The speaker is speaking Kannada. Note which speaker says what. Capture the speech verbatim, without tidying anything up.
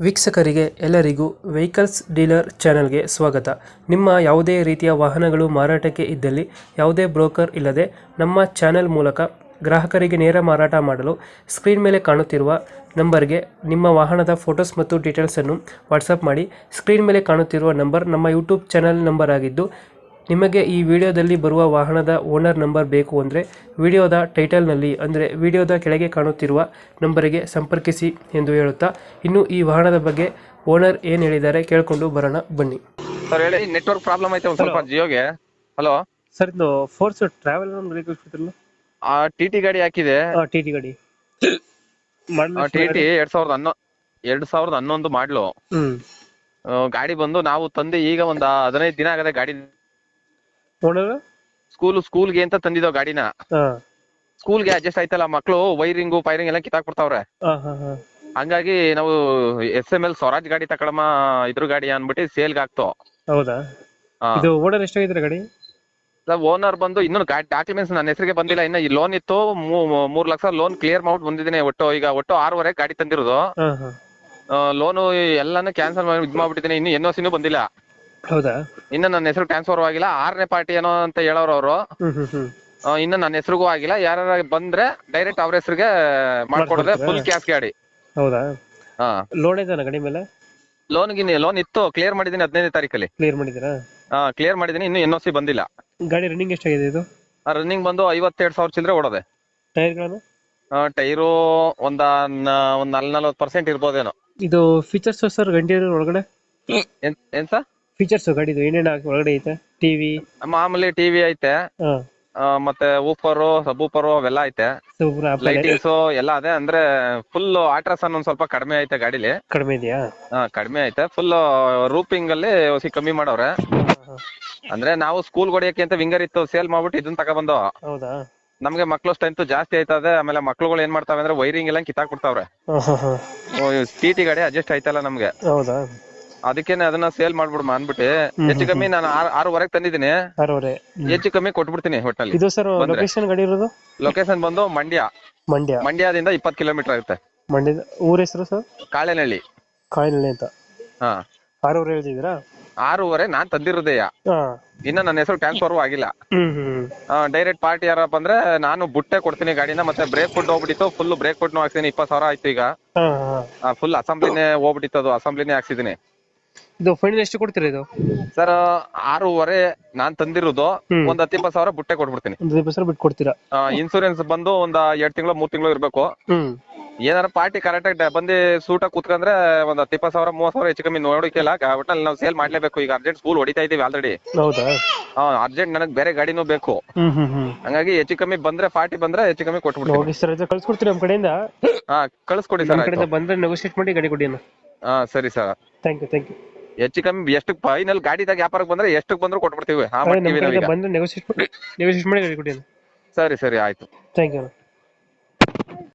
Speaker 1: ವೀಕ್ಷಕರಿಗೆ ಎಲ್ಲರಿಗೂ ವೆಹಿಕಲ್ಸ್ ಡೀಲರ್ ಚಾನೆಲ್ಗೆ ಸ್ವಾಗತ. ನಿಮ್ಮ ಯಾವುದೇ ರೀತಿಯ ವಾಹನಗಳು ಮಾರಾಟಕ್ಕೆ ಇದ್ದಲ್ಲಿ ಯಾವುದೇ ಬ್ರೋಕರ್ ಇಲ್ಲದೆ ನಮ್ಮ ಚಾನೆಲ್ ಮೂಲಕ ಗ್ರಾಹಕರಿಗೆ ನೇರ ಮಾರಾಟ ಮಾಡಲು ಸ್ಕ್ರೀನ್ ಮೇಲೆ ಕಾಣುತ್ತಿರುವ ನಂಬರ್ಗೆ ನಿಮ್ಮ ವಾಹನದ ಫೋಟೋಸ್ ಮತ್ತು ಡೀಟೇಲ್ಸನ್ನು ವಾಟ್ಸಪ್ ಮಾಡಿ. ಸ್ಕ್ರೀನ್ ಮೇಲೆ ಕಾಣುತ್ತಿರುವ ನಂಬರ್ ನಮ್ಮ ಯೂಟ್ಯೂಬ್ ಚಾನೆಲ್ ನಂಬರ್ ಆಗಿದ್ದು, ನಿಮಗೆ ಈ ವಿಡಿಯೋದಲ್ಲಿ ಬರುವ ವಾಹನದ ಓನರ್ ನಂಬರ್ ಬೇಕು ಅಂದರೆ ವಿಡಿಯೋದ ಟೈಟಲ್ನಲ್ಲಿ ಅಂದರೆ ವಿಡಿಯೋದ ಕೆಳಗೆ ಕಾಣುತ್ತಿರುವ ನಂಬರಿಗೆ ಸಂಪರ್ಕಿಸಿ ಎಂದು ಹೇಳುತ್ತಾ, ಇನ್ನು ಈ ವಾಹನದ ಬಗ್ಗೆ ಓನರ್ ಏನು ಹೇಳಿದ್ದಾರೆ ಕೇಳಿಕೊಂಡು ಬರೋಣ ಬನ್ನಿ.
Speaker 2: ಸರ್ ಹೇಳಿ, ನೆಟ್ವರ್ಕ್ ಪ್ರಾಬ್ಲಮ್ ಐತೆ ಒಂದ್ ಸ್ವಲ್ಪ ಜಿಯೋಗೆ. ಹಲೋ
Speaker 1: ಸರ್, ಇದು ಫೋರ್ಸ್ ಟ್ರಾವೆಲ್ ಗಾಡಿ
Speaker 2: ಆ ಟಿ ಟಿ ಗಾಡಿ ಹಾಕಿದೆ.
Speaker 1: ಟಿ ಟಿ ಗಾಡಿ
Speaker 2: ಟಿ ಟಿ ಎರಡ್ ಸಾವಿರದ ಹನ್ನೊ ಎರಡ್ ಸಾವಿರದ ಹನ್ನೊಂದು ಮಾಡ್ಲು.
Speaker 1: ಹ್ಮ್
Speaker 2: ಗಾಡಿ ಬಂದು ನಾವು ತಂದು ಈಗ ಒಂದ್ ಹದಿನೈದು ದಿನ ಆಗದೆ. ಗಾಡಿ
Speaker 1: ಓನರ್
Speaker 2: ಸ್ಕೂಲ್ ಸ್ಕೂಲ್ಗೆ ಅಂತ ತಂದಿದ್ದೋ ಗಾಡಿನ. ಸ್ಕೂಲ್ಗೆ ಅಡ್ಜಸ್ಟ್ ಆಯ್ತಲ್ಲ, ಮಕ್ಳು ವೈರಿಂಗು ಫೈರಿಂಗ್ ಎಲ್ಲ ಕಿತ್ತಾಕ್ಬಿಡ್ತಾವ್ರೆ. ಹಂಗಾಗಿ ನಾವು ಎಸ್ ಎಂ ಎಲ್ ಸ್ವರಾಜ್ ಗಾಡಿ ತಕೊಳಮ್ಮ ಇದ್ರ ಗಾಡಿ ಅನ್ಬಿಟ್ಟು ಸೇಲ್ಗೆ ಹಾಕ್ತೋ.
Speaker 1: ಹೌದಾ? ಇದು ಓನರ್ ಎಷ್ಟಾಗಿದ್ರೆ ಗಾಡಿ?
Speaker 2: ಓನರ್ ಬಂದು ಇನ್ನೊಂದು ಗಾಡಿ ಡಾಕ್ಯುಮೆಂಟ್ಸ್ ನನ್ನ ಹೆಸರಿಗೆ ಬಂದಿಲ್ಲ. ಇನ್ನ ಈ ಲೋನ್ ಇತ್ತು, ಮೂರ್ ಲಕ್ಷ ಲೋನ್ ಕ್ಲಿಯರ್ ಮಾಡ್ಬಿಟ್ಟು ಬಂದಿದ್ದೀನಿ. ಒಟ್ಟು ಈಗ ಒಟ್ಟು ಆರೂವರೆ ಗಾಡಿ ತಂದಿರೋದು. ಲೋನು ಎಲ್ಲಾನು ಕ್ಯಾನ್ಸಲ್ ಮಾಡಿ ಇದ್ ಮಾಡ್ಬಿಟ್ಟಿದ್ದೀನಿ. ಇನ್ನು ಎನ್ ಓ ಸಿನೂ ಬಂದಿಲ್ಲ.
Speaker 1: ಹೌದಾ?
Speaker 2: ಇನ್ನ ನನ್ನ ಹೆಸರು ಟ್ರಾನ್ಸ್ಫರ್ ಆಗಿಲ್ಲ. ಆರನೇ ಪಾರ್ಟಿ ಏನೋ ಅಂತ ಹೇಳೋರು ಅವರು. ಇನ್ನ ನನ್ನ ಹೆಸರಿಗೂ ಆಗಿಲ್ಲ. ಯಾರ ಬಂದ್ರೆ ಡೈರೆಕ್ಟ್ ಅವ್ರ ಹೆಸರಿಗೆ ಮಾಡ್ಕೊಡೋದೆ, ಫುಲ್ ಕ್ಯಾಶ್ ಗಾಡಿ.
Speaker 1: ಹೌದಾ?
Speaker 2: ಹಾ,
Speaker 1: ಲೋನ್ ಇದೆನಾ ಗಾಡಿ ಮೇಲೆ?
Speaker 2: ಲೋನ್ ಗಿನಿ ಲೋನ್ ಇತ್ತು, ಕ್ಲಿಯರ್ ಮಾಡಿದೀನಿ ಹದಿನೈದನೇ ತಾರೀಕಲ್ಲಿ.
Speaker 1: ಕ್ಲಿಯರ್ ಮಾಡಿದ್ದೀರಾ?
Speaker 2: ಹಾ, ಕ್ಲಿಯರ್ ಮಾಡಿದೀನಿ. ಇನ್ನು ಎನ್ ಓ ಸಿ ಬಂದಿಲ್ಲ.
Speaker 1: ಗಾಡಿ ರನ್ನಿಂಗ್ ಎಷ್ಟಾಗಿದೆ ಇದು?
Speaker 2: ರನ್ನಿಂಗ್ ಬಂದು ಐವತ್ತೆರಡು ಸಾವಿರ ಚಿಲ್ಲರೆ ಓಡೋದೆ.
Speaker 1: ಟೈರ್ಗಳನ್ನು?
Speaker 2: ಟೈರು ಒಂದ ಒಂದ್ ನಲ್ ನಲ್ವತ್ತು ಪರ್ಸೆಂಟ್ ಇರ್ಬೋದೇನೋ.
Speaker 1: ಇದು ಫೀಚರ್ಸ್ ಸರ್ ಗಾಡಿ ಒಳಗಡೆ
Speaker 2: ಏನ್ ಸರ್
Speaker 1: ಫೀಚರ್ಸ್ ಗಾಡಿದು ಏನೇನು ಒಳಗಡೆ ಐತೆ? ಟಿವಿ
Speaker 2: ಮಾಮೂಲಿ ಟಿವಿ ಐತೆ, ಮತ್ತೆ ಊಫರು ಸಬೂಫರು ಅವೆಲ್ಲ ಐತೆ, ಲೈಟಿಂಗ್ಸ್ ಎಲ್ಲ ಅದೇ. ಅಂದ್ರೆ ಫುಲ್ ಆಟ್ರಾಸನ್ ಒಂದ್ ಸ್ವಲ್ಪ ಕಡಿಮೆ ಐತೆ ಗಾಡಿಲಿ.
Speaker 1: ಕಡಿಮೆ ಇದೆಯಾ?
Speaker 2: ಹಾ, ಕಡಿಮೆ ಐತೆ. ಫುಲ್ ರೂಪಿಂಗ್ ಅಲ್ಲಿ ಹೊಸಿ ಕಮ್ಮಿ ಮಾಡವ್ರೆ. ಅಂದ್ರೆ ನಾವು ಸ್ಕೂಲ್ ಹೊಡಿಯಕ್ಕೆ ಅಂತ ವಿಂಗರ್ ಇತ್ತು, ಸೇಲ್ ಮಾಡ್ಬಿಟ್ಟು ಇದನ್ನ ತಗೊಬಂದು.
Speaker 1: ಹೌದಾ? ನಮ್ಗೆ
Speaker 2: ಮಕ್ಳು ಸ್ಟ್ರೆಂತ್ ಜಾಸ್ತಿ ಆಯ್ತದೆ. ಆಮೇಲೆ ಮಕ್ಳುಗಳು ಏನ್ ಮಾಡ್ತಾವೆ ಅಂದ್ರೆ ವೈರಿಂಗ್ ಎಲ್ಲ ಕಿತ್ತಾಕ್ಬಿಡ್ತಾವ್ರೆ. ಟಿ ಟಿ ಗಾಡಿ ಅಡ್ಜಸ್ಟ್ ಆಯ್ತಲ್ಲ ನಮ್ಗೆ.
Speaker 1: ಹೌದಾ?
Speaker 2: ಅದಕ್ಕೇನೆ ಅದನ್ನ ಸೇಲ್ ಮಾಡ್ಬಿಡ್ಮ ಅನ್ಬಿಟ್ಟು ಹೆಚ್ಚು ಕಮ್ಮಿ ನಾನು ಆರೂವರೆಗೆ ತಂದಿದ್ದೀನಿ. ಹೆಚ್ಚು ಕಮ್ಮಿ ಕೊಟ್ಬಿಡ್ತೀನಿ ಒಟ್ಟಲ್ಲಿ.
Speaker 1: ಇದು ಸರ್ ಲೊಕೇಶನ್ ಗಾಡಿ ಇರೋದು?
Speaker 2: ಲೊಕೇಶನ್ ಬಂದು ಮಂಡ್ಯ.
Speaker 1: ಮಂಡ್ಯ
Speaker 2: ಮಂಡ್ಯದಿಂದ ಇಪ್ಪತ್ತು ಕಿಲೋಮೀಟರ್ ಆಗುತ್ತೆ.
Speaker 1: ಮಂಡ್ಯದ ಊರ ಹೆಸರು ಸರ್? ಕಾಳೆನಹಳ್ಳಿ. ಕಾಳೆನಹಳ್ಳಿ ಅಂತ.
Speaker 2: ಹಾ,
Speaker 1: ಆರೂವರೆ ಹೇಳ್ತಿದ್ದೀರಾ?
Speaker 2: ಆರೂವರೆ ನಾನ್ ತಂದಿರೋದೆಯ. ಇನ್ನ ನನ್ನ ಹೆಸರು ಟ್ರಾನ್ಸ್ಫರ್ ಆಗಿಲ್ಲ. ಡೈರೆಕ್ಟ್ ಪಾರ್ಟಿ ಯಾರಪ್ಪ ಅಂದ್ರೆ ನಾನು ಬುಟ್ಟೆ ಕೊಡ್ತೀನಿ ಗಾಡಿನ. ಮತ್ತೆ ಬ್ರೇಕ್ ಫುಡ್ ಹೋಗ್ಬಿಟ್ಟಿತ್ತು, ಫುಲ್ ಬ್ರೇಕ್ ಫುಡ್ ಹಾಕ್ಸಿದೀನಿ. ಇಪ್ಪತ್ತು ಸಾವಿರ ಆಯ್ತು ಈಗ. ಫುಲ್ ಅಸೆಂಬ್ಲಿನೇ ಹೋಗ್ಬಿಟ್ಟಿತ್ತು, ಅದು ಅಸೆಂಬ್ಲಿನೇ ಹಾಕ್ಸಿದೀನಿ.
Speaker 1: ಇದು ಫೈನಲ್ ಎಷ್ಟು ಕೊಡ್ತೀರಾ ಇದು? ಸರ್
Speaker 2: ಆರೂವರೆ ನಾನ್ ತಂದಿರೋದು. ಒಂದ್ ಹತ್ತು ಇಪ್ಪತ್ತು ಸಾವಿರ ಬುಟ್ಟೆ ಕೊಟ್ಬಿಡ್ತೀನಿ.
Speaker 1: ಬಿಟ್ಟು ಕೊಡ್ತೀರಾ?
Speaker 2: ಇನ್ಸೂರೆನ್ಸ್ ಬಂದು ಒಂದ್ ಎರಡ್ ತಿಂಗಳು ಮೂರ್ ತಿಂಗಳು ಇರ್ಬೇಕು. ಏನಾರ ಪಾರ್ಟಿ ಕರೆಕ್ಟ್ ಆಗಿ ಬಂದು ಸೂಟ ಕೂತ್ಕೊಂಡ್ರೆ ಒಂದ್ ಹತ್ತು ಇಪ್ಪತ್ತು ಸಾವಿರ ಮೂವತ್ ಸಾವಿರ ಹೆಚ್ಚು ಕಮ್ಮಿ ನೋಡಿಕೆಲ್ಲ ಒಟ್ಟಲ್ಲಿ ನಾವು ಸೇಲ್ ಮಾಡ್ಲೇಬೇಕು. ಈಗ ಅರ್ಜೆಂಟ್ ಸ್ಕೂಲ್ ಹೊಡಿತಾ ಇದೀವಿ ಆಲ್ರೆಡಿ.
Speaker 1: ಹೌದಾ?
Speaker 2: ಹಾ, ಅರ್ಜೆಂಟ್ ನನಗ್ ಬೇರೆ ಗಾಡಿನೂ ಬೇಕು. ಹಂಗಾಗಿ ಹೆಚ್ಚು ಕಮ್ಮಿ ಬಂದ್ರೆ ಪಾರ್ಟಿ ಬಂದ್ರೆ ಹೆಚ್ಚು ಕಮ್ಮಿ ಕೊಟ್ಬಿಡ್ತೀನಿ.
Speaker 1: ಕಳ್ಸ್ಕೊಡ್ತೀರಿ ನಮ್ಮ ಕಡೆಯಿಂದ?
Speaker 2: ಹಾ, ಕಳ್ಸ್ಕೊಡಿ ಸರ್.
Speaker 1: ಬಂದ್ರೆ ನೆಗೋಶಿಯೇಟ್ ಮಾಡಿ ಗಾಡಿ ಕೊಡಿ.
Speaker 2: ಹಾ, ಸರಿ sir.
Speaker 1: Thank you thank you.
Speaker 2: ಹೆಚ್ಚು ಕಮ್ಮಿ ಎಷ್ಟು ಫೈನಲ್ ಗಾಡಿದಾಗ ವ್ಯಾಪಾರಕ್ಕೆ ಬಂದ್ರೆ ಎಷ್ಟು ಬಂದ್ರು ಕೊಟ್ಬಿಡ್ತೀವಿ.
Speaker 1: ಬಂದ್ರೆ ನೆಗೋಶಿಯೇಟ್ ಮಾಡಿ ಗಾಡಿ ಕೊಡಿ.
Speaker 2: ಸರಿ ಸರಿ ಆಯ್ತು.
Speaker 1: Thank you.